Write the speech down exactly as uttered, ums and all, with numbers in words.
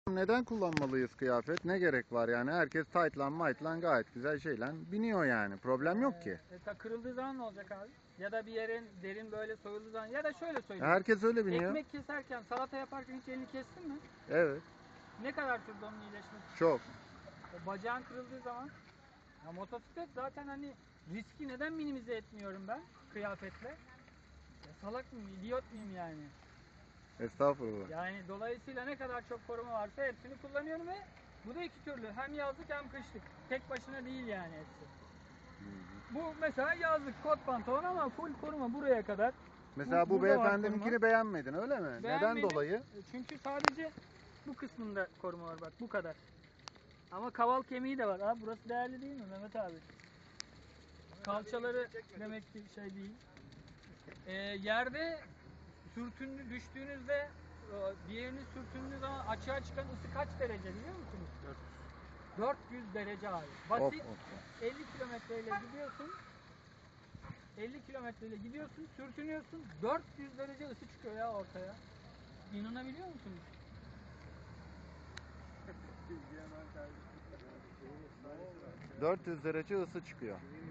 Neden kullanmalıyız kıyafet? Ne gerek var yani? Herkes tight'lan mayt'lan gayet güzel şeyle biniyor yani. Problem yok ki. E, ta kırıldığı zaman ne olacak abi? Ya da bir yerin derin böyle soyulduğu zaman, ya da şöyle söyleyeyim. Herkes öyle biniyor. Ekmek keserken, salata yaparken hiç elini kestin mi? Evet. Ne kadar sürdü onun iyileşmesi? Çok. E, bacağın kırıldığı zaman, ya motosiklet zaten hani riski neden minimize etmiyorum ben kıyafetle? Ya salak mıyım, idiot muyum yani? Estağfurullah. Yani dolayısıyla ne kadar çok koruma varsa hepsini kullanıyorum ve bu da iki türlü. Hem yazlık hem kışlık. Tek başına değil yani hepsi. Bu mesela yazlık kot pantolon ama full koruma buraya kadar. Mesela bu, bu beyefendininkini beğenmedin öyle mi? Beğenmedim. Neden dolayı? Çünkü sadece bu kısmında koruma var bak, bu kadar. Ama kaval kemiği de var. Abi burası değerli değil mi Mehmet abi? Kalçaları demek ki şey değil. Ee, yerde sürtündü, düştüğünüzde diğerini sürtündüğü zaman açığa çıkan ısı kaç derece biliyor musunuz? dört yüz derece abi. Basit. Of, of, of. elli kilometreyle gidiyorsun. elli kilometreyle gidiyorsun, sürtünüyorsun. dört yüz derece ısı çıkıyor ya ortaya. İnanabiliyor musunuz? dört yüz derece ısı çıkıyor.